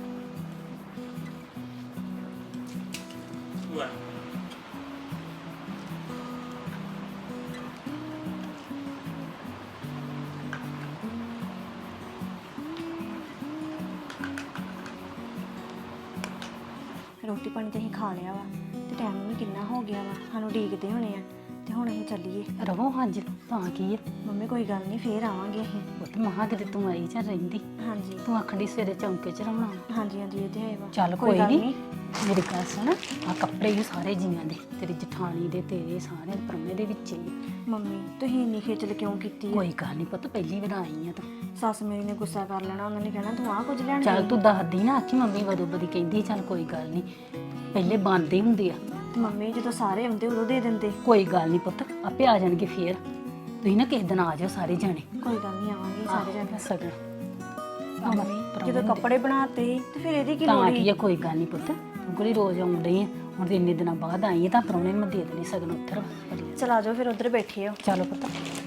ਰੋਟੀ ਪਾਣੀ ਤਾਂ ਅਸੀਂ ਖਾ ਲਿਆ ਵਾ ਤੇ ਟਾਈਮ ਵੀ ਕਿੰਨਾ ਹੋ ਗਿਆ ਵਾ, ਸਾਨੂੰ ਉਡੀਕਦੇ ਹੋਣੇ ਆ ਤੇ ਹੁਣ ਅਸੀਂ ਚੱਲੀਏ।
ਰਵੋ ਅੱਜ ਤਾਂ ਕੀ ਹੈ
ਮੰਮੀ ਕੋਈ ਗੱਲ ਨਹੀਂ ਫੇਰ ਆਵਾਂਗੇ ਅਸੀਂ।
ਪੁੱਤ ਮਹਾ ਕਿਤੇ ਤੂੰ ਆਈ ਜਾਂ ਰਹਿੰਦੀ।
ਹਾਂਜੀ
ਤੂੰ ਆਖੜੀ ਸਵੇਰੇ ਚੌਂਕੇ ਚ ਰਵਣਾ।
ਹਾਂਜੀ ਹਾਂਜੀ ਇਹ ਤੇ ਹੈ ਵਾ।
ਚੱਲ ਕੋਈ ਨਹੀਂ, ਮੇਰੀ ਗੱਲ ਸੁਣ, ਆ ਕੱਪੜੇ ਵੀ ਸਾਰੇ ਜੀਆਂ ਦੇ, ਤੇਰੀ ਜਠਾਣੀ ਦੇ, ਤੇਰੇ ਸਾਰੇ ਪਰਮੇ ਦੇ ਵਿੱਚ ਹੀ ਆ।
ਮੰਮੀ ਤੁਸੀਂ ਇੰਨੀ ਖੇਚਲ ਕਿਉਂ ਕੀਤੀ ਹੈ?
ਕੋਈ ਗੱਲ ਨਹੀਂ ਪੁੱਤ, ਪਹਿਲੀ ਵਾਰ ਆਈ ਆ ਤੂੰ।
ਸੱਸ ਮੇਰੀ ਨੇ ਗੁੱਸਾ ਕਰ ਲੈਣਾ, ਉਹਨਾਂ ਨੇ ਕਹਿਣਾ ਤੂੰ ਆਹ ਕੁਝ ਲੈਣ
ਚੱਲ ਤੂੰ ਦੱਸਦੀ ਨਾ ਆਖੀ ਮੰਮੀ ਵਦੋਂ ਬਦੀ ਕਹਿੰਦੀ। ਚੱਲ ਕੋਈ ਗੱਲ ਨਹੀਂ, ਪਹਿਲੇ ਬੰਦੇ ਹੁੰਦੇ ਆ।
ਤੇ ਮੰਮੀ ਜਦੋਂ ਸਾਰੇ ਆਉਂਦੇ ਉਦੋਂ ਦੇ ਦਿੰਦੇ।
ਕੋਈ ਗੱਲ ਨਹੀਂ ਪੁੱਤ, ਆਪੇ ਆ ਜਾਣਗੇ ਫੇਰ। ਤੁਸੀਂ ਨਾ ਕਿਸੇ ਦਿਨ ਆ ਜਾਓ ਸਾਰੇ ਜਾਣੇ।
ਕੋਈ ਗੱਲ ਨਹੀਂ ਆਵਾਂਗੇ ਸਾਰੇ ਜਣੇ।
ਸਗਣ
ਮੰਮੀ ਜਦੋਂ ਕੱਪੜੇ ਬਣਾਤੇ ਤੇ ਫਿਰ ਇਹਦੀ ਕੀ ਲੋੜ
ਤਾਂ
ਹੈ?
ਕੀ ਆ, ਕੋਈ ਗੱਲ ਨਹੀਂ ਪੁੱਤ, ਤੂੰ ਕੋਈ ਰੋਜ਼ ਆਉਂਦੀ ਆ। ਹੁਣ ਤੇ ਇੰਨੇ ਦਿਨਾਂ ਬਾਅਦ ਆਈ ਆ ਤਾਂ ਪ੍ਰਾਹੁਣੇ ਨੂੰ ਮੈਂ ਦੇ ਦੇਣੀ ਸਗਨ ਉੱਧਰ।
ਚਲ ਆ ਜਾਓ ਫਿਰ ਉੱਧਰ ਬੈਠੇ ਹੋ।
ਚਲੋ ਪੁੱਤ।